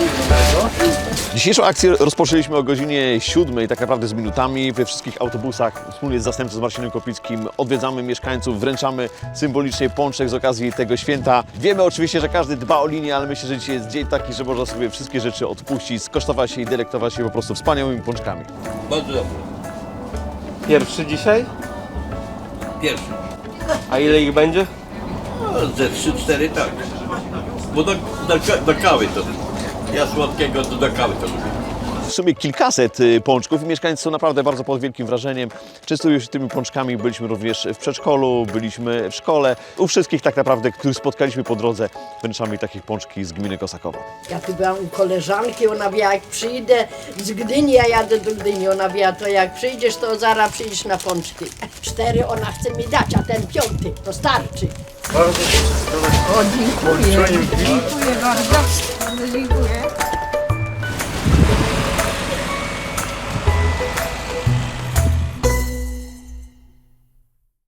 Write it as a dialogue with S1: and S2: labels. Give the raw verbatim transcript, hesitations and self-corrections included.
S1: Dzisiejszą akcję rozpoczęliśmy o godzinie siódmej, tak naprawdę z minutami. We wszystkich autobusach wspólnie z zastępcą z Marcinem Kopickim odwiedzamy mieszkańców, wręczamy symbolicznie pączek z okazji tego święta. Wiemy oczywiście, że każdy dba o linię, ale myślę, że dzisiaj jest dzień taki, że można sobie wszystkie rzeczy odpuścić, skosztować się i delektować się po prostu wspaniałymi pączkami.
S2: Bardzo dobrze.
S3: Pierwszy dzisiaj?
S2: Pierwszy.
S3: A ile ich będzie?
S2: No, ze trzy cztery tak. Bo do, do, do kawy to. Ja słodkiego to do kawy to lubię.
S1: W sumie kilkaset y, pączków i mieszkańcy są naprawdę bardzo pod wielkim wrażeniem. Częstują się tymi pączkami, byliśmy również w przedszkolu, byliśmy w szkole. U wszystkich tak naprawdę, których spotkaliśmy po drodze, wręczamy takich pączki z gminy Kosakowo.
S4: Ja tu byłam u koleżanki, ona wie, jak przyjdę z Gdyni, ja jadę do Gdyni, ona wie, to jak przyjdziesz, to zaraz przyjdziesz na pączki. Cztery ona chce mi dać, a ten piąty, to starczy.
S5: O, dziękuję. Dziękuję bardzo. Bardzo dziękuję.